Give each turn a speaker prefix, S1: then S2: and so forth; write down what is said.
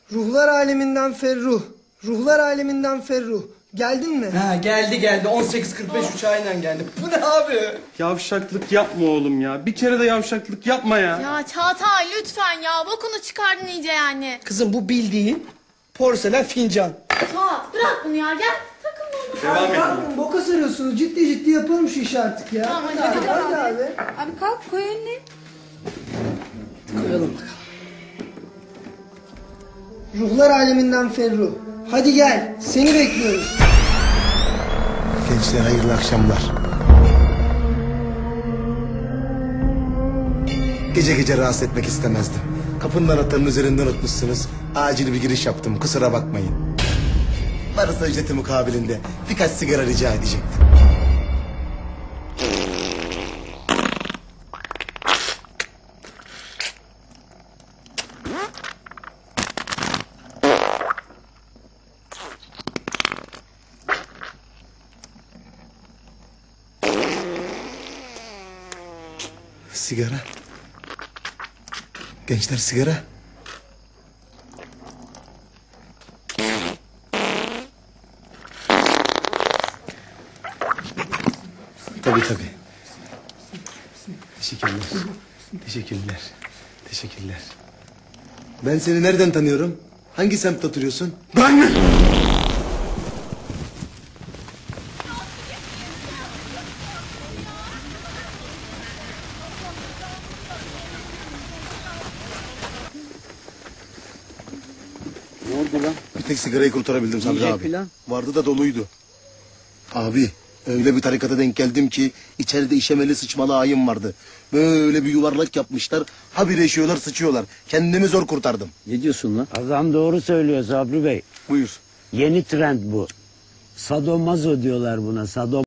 S1: Ruhlar aleminden Ferruh. Ruhlar aleminden Ferruh. Geldin mi?
S2: Ha geldi 18.45 uçağıyla geldi. Bu ne abi?
S3: Yavşaklık yapma oğlum ya. Bir kere de yavşaklık yapma ya.
S4: Ya Çağatay lütfen ya. Bokunu çıkardın iyice yani.
S2: Kızım bu bildiğin porselen fincan.
S4: Suat bırak bunu ya. Gel takılma ona.
S3: Devam et.
S1: Pardon, boka sarıyorsunuz. Ciddi yapalım şu işi artık ya.
S4: Tamam,
S1: Hadi abi.
S5: Abi kalk koy önüne.
S2: Koyalım bakalım.
S1: Ruhlar aleminden Ferruh. Hadi gel. Seni bekliyoruz.
S6: Gençler hayırlı akşamlar. Gece gece rahatsız etmek istemezdim. Kapının anahtarının üzerinden unutmuşsunuz. Acil bir giriş yaptım, kusura bakmayın. Varsa ücreti mukabilinde birkaç sigara rica edecektim. Sigara. Gençler sigara. Tabii. Teşekkürler. Ben seni nereden tanıyorum? Hangi semtte oturuyorsun?
S3: Ben mi?
S6: Ne oldu lan? Bir tek sigarayı kurtarabildim Sabri abi.
S7: Plan.
S6: Vardı da doluydu. Abi öyle bir tarikata denk geldim ki içeride işemeli sıçmalı ayım vardı. Böyle bir yuvarlak yapmışlar. Habire işiyorlar sıçıyorlar. Kendimi zor kurtardım.
S7: Ne diyorsun lan? Adam doğru söylüyor Sabri Bey.
S6: Buyur.
S7: Yeni trend bu. Sadomazo diyorlar buna.